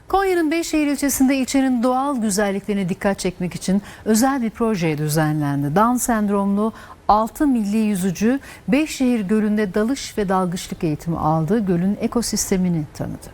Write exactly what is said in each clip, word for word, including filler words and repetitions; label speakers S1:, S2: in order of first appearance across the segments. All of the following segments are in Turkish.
S1: Konya'nın Beyşehir ilçesinde ilçenin doğal güzelliklerine dikkat çekmek için özel bir proje düzenlendi. Down sendromlu altı milli yüzücü Beyşehir Gölü'nde dalış ve dalgıçlık eğitimi aldı. Gölün ekosistemini tanıdı.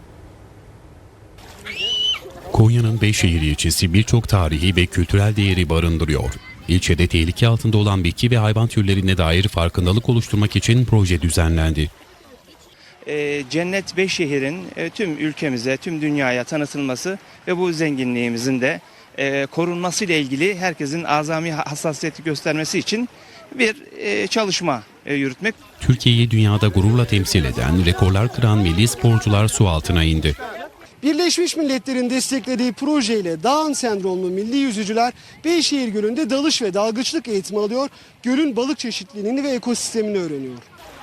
S2: Konya'nın Beyşehir ilçesi birçok tarihi ve kültürel değeri barındırıyor. İlçede tehlike altında olan bitki ve hayvan türlerine dair farkındalık oluşturmak için proje düzenlendi.
S3: E, Cennet Beyşehir'in e, tüm ülkemize, tüm dünyaya tanıtılması ve bu zenginliğimizin de e, korunması ile ilgili herkesin azami hassasiyeti göstermesi için bir e, çalışma e, yürütmek.
S2: Türkiye'yi dünyada gururla temsil eden, rekorlar kıran milli sporcular su altına indi.
S4: Birleşmiş Milletler'in desteklediği projeyle Down sendromlu milli yüzücüler Beyşehir Gölü'nde dalış ve dalgıçlık eğitimi alıyor. Gölün balık çeşitliliğini ve ekosistemini öğreniyor.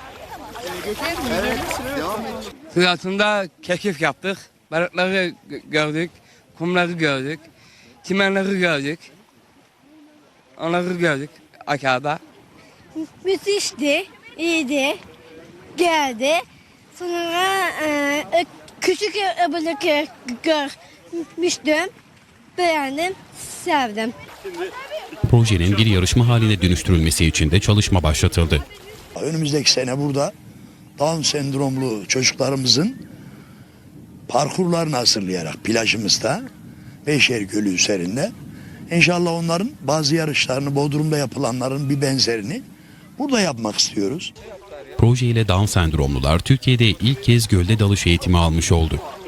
S5: Su altında keşif yaptık, balıkları gördük, kumları gördük, çimenleri gördük, onları gördük aşağıda.
S6: Müthişti, iyiydi, geldi. Sonra e, küçük balık görmüştüm, beğendim, sevdim.
S2: Projenin bir yarışma haline dönüştürülmesi için de çalışma başlatıldı.
S7: Önümüzdeki sene burada Down sendromlu çocuklarımızın parkurlarını hazırlayarak plajımızda Beyşehir Gölü üzerinde inşallah onların bazı yarışlarını Bodrum'da yapılanların bir benzerini burada yapmak istiyoruz.
S2: Proje ile Down sendromlular Türkiye'de ilk kez gölde dalış eğitimi almış oldu.